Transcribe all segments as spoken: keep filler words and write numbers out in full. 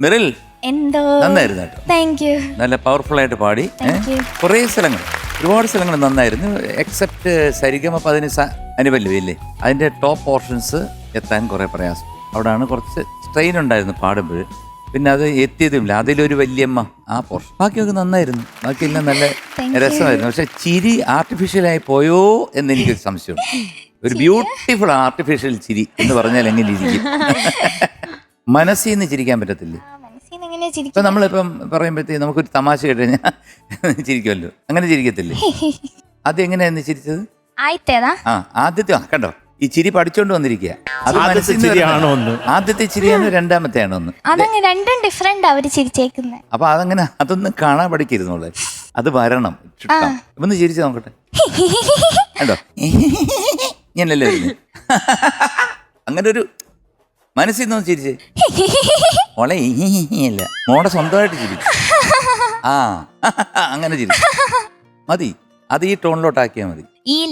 Merrill എന്തോ നന്നായിരുന്നു കേട്ടോ. Thank you. നല്ല പവർഫുൾ ആയിട്ട് പാടി. കുറേ സ്ഥലങ്ങൾ ഒരുപാട് സ്ഥലങ്ങൾ നന്നായിരുന്നു. എക്സെപ്റ്റ് സരിഗമ പതിന് അനുപല്ലവി അല്ലേ, അതിന്റെ ടോപ്പ് പോർഷൻസ് എത്താൻ കുറെ പ്രയാസം. അവിടെയാണ് കുറച്ച് സ്ട്രെയിൻ ഉണ്ടായിരുന്നു പാടുമ്പോൾ. പിന്നെ അത് എത്തിയതുമില്ല. അതിലൊരു വല്യമ്മ ആ പോർഷൻ. ബാക്കിയൊക്കെ നന്നായിരുന്നു, ബാക്കിയെല്ലാം നല്ല രസമായിരുന്നു. പക്ഷെ ചിരി ആർട്ടിഫിഷ്യലായി പോയോ എന്ന് എനിക്കൊരു സംശയമുണ്ട്. ഒരു ബ്യൂട്ടിഫുൾ ആർട്ടിഫിഷ്യൽ ചിരി എന്ന് പറഞ്ഞാൽ എങ്ങനെ ഇരിക്കും? മനസ്സിൽ നിന്ന് ചിരിക്കാൻ പറ്റത്തില്ലേ? ഇപ്പൊ നമ്മളിപ്പം പറയുമ്പോഴത്തേക്ക് നമുക്കൊരു തമാശ കേട്ട് കഴിഞ്ഞാൽ ചിരിക്കുമല്ലോ, അങ്ങനെ ചിരിക്കത്തില്ലേ? അത് എങ്ങനെയായിരുന്നു ചിരിച്ചത്? ആ ആദ്യത്തെ കണ്ടോ, ഈ ചിരി പഠിച്ചോണ്ട് വന്നിരിക്കുക. അത് ചിരിയാണോ ഒന്ന്? ആദ്യത്തെ ചിരിയാണോ രണ്ടാമത്തെ ആണോ ഒന്ന്? രണ്ടും ഡിഫറെന്റ് അവര് ചിരിച്ചേക്കുന്നത്. അപ്പൊ അതങ്ങനെ അതൊന്നും കാണാൻ പഠിക്കരുന്നോളെ, അത് വരണം. ഒന്ന് ചിരിച്ചു നോക്കട്ടെ. കണ്ടോ, ഞാനല്ലേ വരുന്നത്. അങ്ങനെ ഒരു മനസ്സിൽ നിന്ന് ചിരിച്ചേ മോളെ. അല്ല മോടെ സ്വന്തമായിട്ട് ചിരിച്ചു. ആ അങ്ങനെ ചിരിച്ചു മതി. അത് ഈ ടോണിലോട്ടാക്കിയാ മതി.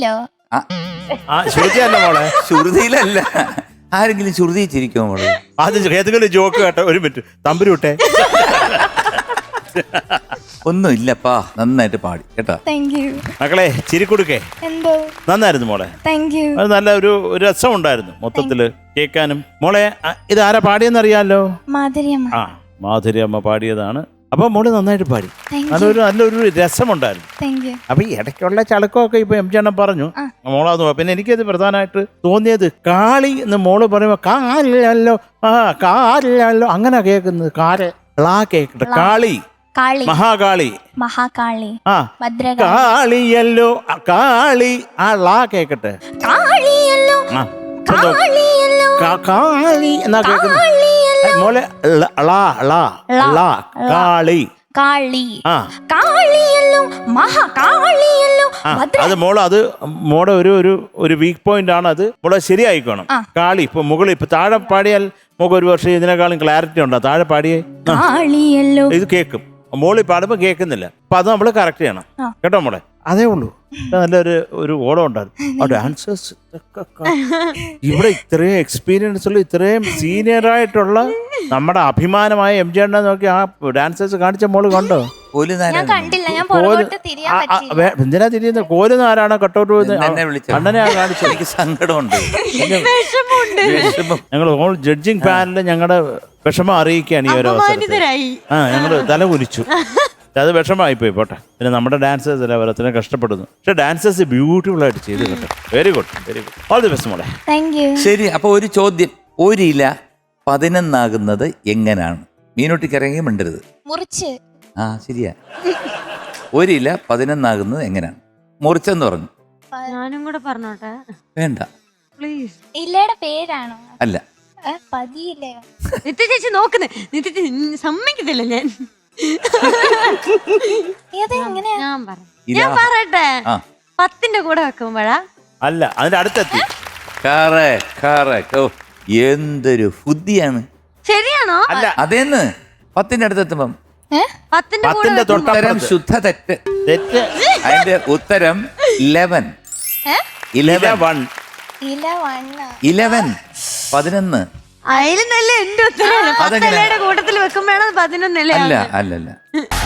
മോളെ ശ്രുതിയിലല്ല, ആരെങ്കിലും ശ്രുതി ചിരിക്കുമോ മോളെ? ആദ്യം ഏതെങ്കിലും ജോക്ക് കേട്ടോ. ഒരു മിനിറ്റ് തമ്പുരു വിട്ടെ. ഒന്നും ഇല്ലപ്പാ, നന്നായിട്ട് പാടി കേട്ടോ. മക്കളെ ചിരി കൊടുക്കേ. നന്നായിരുന്നു മോളെ. അത് നല്ല ഒരു രസം ഉണ്ടായിരുന്നു മൊത്തത്തില് കേൾക്കാനും. മോളെ ഇത് ആരാ പാടിയെന്നറിയാലോ? ആ മാധുരി അമ്മ പാടിയതാണ്. അപ്പൊ മോള് നന്നായിട്ട് പാടി. നല്ലൊരു നല്ലൊരു രസമുണ്ടായിരുന്നു. അപ്പൊ ഈ ഇടയ്ക്കുള്ള ചളക്കമൊക്കെ ഇപ്പൊ എം ജി അണ്ണൻ പറഞ്ഞു മോളാന്ന്. പിന്നെ എനിക്കത് പ്രധാനമായിട്ട് തോന്നിയത് കാളി എന്ന് മോള് പറയുമ്പോ കാലില്ലല്ലോ, ആ കാലില്ലല്ലോ അങ്ങനെ കേൾക്കുന്നത്. കാല് ളാ കേക്കട്ടെ. കാളി മഹാകാളി മഹാകാളി ആ കാളിയല്ലോ, കാളി ആ ളാ കേക്കട്ടെ. കാളി എന്നാ കേൾക്കുന്നത് മോളെ. കാളി കാളി കാളിയല്ലോ മഹാകാളിയല്ലോ. അത് മോള് അത് മോടെ ഒരു ഒരു ഒരു വീക്ക് പോയിന്റ് ആണ്. അത് മോളെ ശരിയായിക്കോണം. കാളി ഇപ്പൊ മുകളിൽ ഇപ്പൊ താഴെ പാടിയാൽ നമുക്ക് ഒരു വർഷം ഇതിനേക്കാളും ക്ലാരിറ്റി ഉണ്ടോ? താഴെ പാടിയേ ഇത് കേൾക്കും, മോളി പാടുമ്പോ കേൾക്കുന്നില്ല. അപ്പൊ അത് നമ്മള് കറക്റ്റ് ചെയ്യണം കേട്ടോ മോളെ. അതേ ഉള്ളൂ. നല്ലൊരു ഒരു ഓളം ഉണ്ടായിരുന്നു. ആ ഡാൻസേഴ്സ് ഇവിടെ ഇത്രയും എക്സ്പീരിയൻസ് ഉള്ള ഇത്രയും സീനിയർ ആയിട്ടുള്ള നമ്മുടെ അഭിമാനമായ എം ജി അണ്ണ നോക്കി ആ ഡാൻസേഴ്സ് കാണിച്ച മോള് കണ്ടോ? എന്തിനാ തിരിയുന്നത്? കോലുന്ന ആരാണോ കട്ടൗട്ട് അണ്ണനെ കാണിച്ചു? എനിക്ക് സങ്കടമുണ്ട്. ഞങ്ങൾ ഓൾ ജഡ്ജിങ് പാനലിൽ ഞങ്ങളുടെ വിഷമം അറിയിക്കുകയാണ് ഈ ഒരു അവസരത്തിൽ. ആ ഞങ്ങള് തല കുലിച്ചു. അത് വിഷമമായിപ്പോയി. പോട്ടെ, പിന്നെ നമ്മുടെ ഡാൻസേഴ്സ് അല്ല അവരത്തിന് കഷ്ടപ്പെടുന്നു. പക്ഷെ ഡാൻസേഴ്സ് ബ്യൂട്ടിഫുൾ ആയിട്ട് ചെയ്തു കേട്ടോ. Very good, very good. All the best മോളെ. ശരി, അപ്പൊ ഒരു ചോദ്യം. ഒരില പതിനൊന്നാകുന്നത് എങ്ങനെയാണ്? മീനൂട്ടിക്ക് ഇറങ്ങി മിണ്ടരുത്. മുറിച്ച്. ആ ശരിയാ. ഒരില പതിനൊന്നാകുന്നത് എങ്ങനെയാണ്? മുറിച്ചെന്ന് പറഞ്ഞു. ഞാനും കൂടെ പറഞ്ഞോട്ടെ? വേണ്ട പ്ലീസ്. ഇല്ലയുടെ പേരാണോ? അല്ല. നിത്യ ചേച്ചി നോക്കുന്നേ. നിത്യ ചേച്ചി സമ്മതിക്കത്തില്ല. ഞാൻ ഞാൻ പറ ഞാൻ പറയട്ടെ. പത്തിന്റെ കൂടെ വെക്കുമ്പോഴാ അല്ല അതിന്റെ അടുത്തെത്തി. എന്തൊരു ബുദ്ധിയാണ്. ശരിയാണോ? അല്ല അതേന്ന് പത്തിന്റെ അടുത്തെത്തുമ്പം പത്തിന്റെ തൊട്ടരം ശുദ്ധ തെറ്റ്. തെറ്റ്. അതിന്റെ ഉത്തരം ഇലവൻ. ഇലവൻ ഇലവൻ പതിനൊന്ന്. അതിൽ നല്ല എന്റെ ഉത്തരവാണ്. പത്തലയുടെ കൂട്ടത്തിൽ വെക്കുമ്പോഴാണ് പതിനൊന്നല്ലേ? അല്ല അല്ലല്ല